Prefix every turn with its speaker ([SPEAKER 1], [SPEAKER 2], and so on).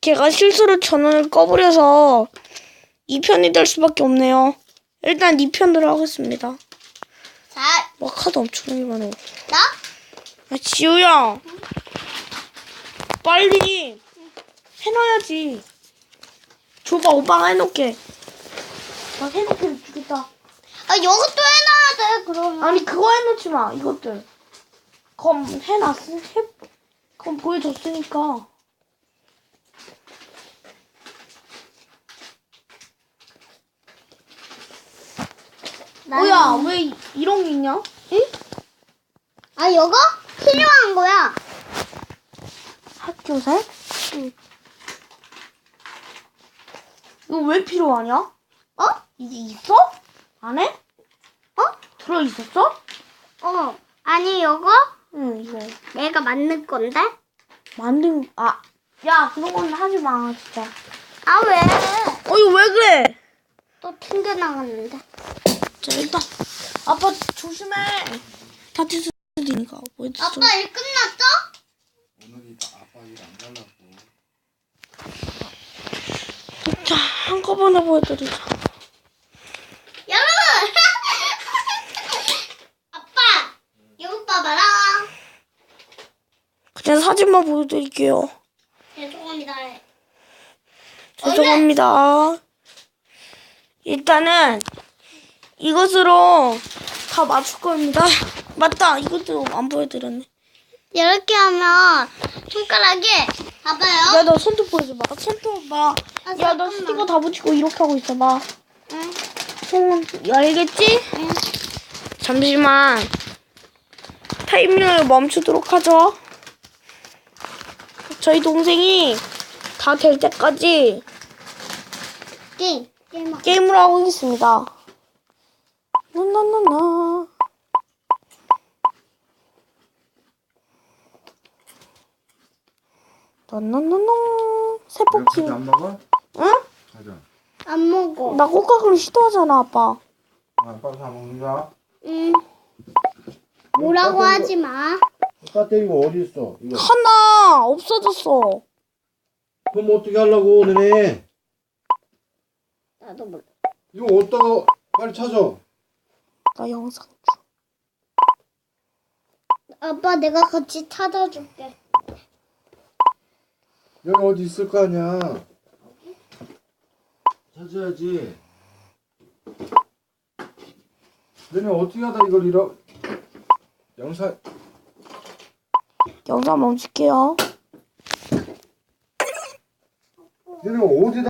[SPEAKER 1] 제가 실수로 전원을 꺼버려서 2편이 될 수밖에 없네요. 일단 2편으로 하겠습니다.
[SPEAKER 2] 자,
[SPEAKER 1] 와, 카드 엄청 많아.
[SPEAKER 2] 나?
[SPEAKER 1] 아, 지우야. 빨리 해놔야지. 줘봐, 오빠가 해놓게. 나 해놓게 주겠다.
[SPEAKER 2] 아, 이것도 해놔야 돼, 그러면.
[SPEAKER 1] 아니, 그거 해놓지 마, 이것들. 그럼 그럼 보여줬으니까. 뭐야, 왜 이런 게 있냐? 응?
[SPEAKER 2] 아, 이거 필요한 거야.
[SPEAKER 1] 학교생? 응. 이거 왜 필요하냐?
[SPEAKER 2] 어?
[SPEAKER 1] 이게 있어? 안에?
[SPEAKER 2] 어?
[SPEAKER 1] 들어있었어?
[SPEAKER 2] 아니, 이거
[SPEAKER 1] 응, 이거.
[SPEAKER 2] 내가 만든 건데?
[SPEAKER 1] 야, 그런 건 하지 마, 진짜.
[SPEAKER 2] 아, 왜?
[SPEAKER 1] 이거 왜 그래?
[SPEAKER 2] 또 튕겨나갔는데.
[SPEAKER 1] 자, 일단. 아빠, 조심해. 다칠 수도 있으니까. 뭐 했어?
[SPEAKER 2] 아빠 일 끝났어?
[SPEAKER 3] 오늘이 아빠 일 안 가려고.
[SPEAKER 1] 자, 한꺼번에 보여드리자.
[SPEAKER 2] 여러분! 아빠! 이거 봐봐라.
[SPEAKER 1] 그냥 사진만 보여드릴게요.
[SPEAKER 2] 죄송합니다.
[SPEAKER 1] 죄송합니다. 일단은 이것으로 다 맞출 겁니다. 맞다. 이것도 안 보여드렸네.
[SPEAKER 2] 이렇게 하면 손가락이 봐봐요.
[SPEAKER 1] 야, 너 손톱 보여줘봐. 손톱 봐. 야, 너
[SPEAKER 2] 잠깐만.
[SPEAKER 1] 스티커 다 붙이고 이렇게 하고 있어봐.
[SPEAKER 2] 응.
[SPEAKER 1] 알겠지?
[SPEAKER 2] 응.
[SPEAKER 1] 잠시만. 타이밍을 멈추도록 하죠. 저희 동생이 다 될 때까지
[SPEAKER 2] 게임.
[SPEAKER 1] 게임을 하고 있습니다. 나나나나. 나나나나. 세포키.
[SPEAKER 3] 안 먹어?
[SPEAKER 1] 응?
[SPEAKER 3] 가자.
[SPEAKER 2] 안 먹어.
[SPEAKER 1] 나 꽃가루를 시도하잖아, 아빠.
[SPEAKER 3] 아빠 다 먹는다.
[SPEAKER 2] 응. 뭐라고 하지 마.
[SPEAKER 3] 배터리가 어디 있어? 이거.
[SPEAKER 1] 하나 없어졌어.
[SPEAKER 3] 그럼 어떻게 하려고 너네?
[SPEAKER 2] 나도 몰라.
[SPEAKER 3] 이거 어디다가 빨리 찾아.
[SPEAKER 1] 나 영상.
[SPEAKER 2] 아빠 내가 같이 찾아줄게.
[SPEAKER 3] 여기 어디 있을 거 아니야. 찾아야지. 너네 어떻게 하다 이걸 잃어?
[SPEAKER 1] 영상 멈출게요.
[SPEAKER 3] 너네 어디다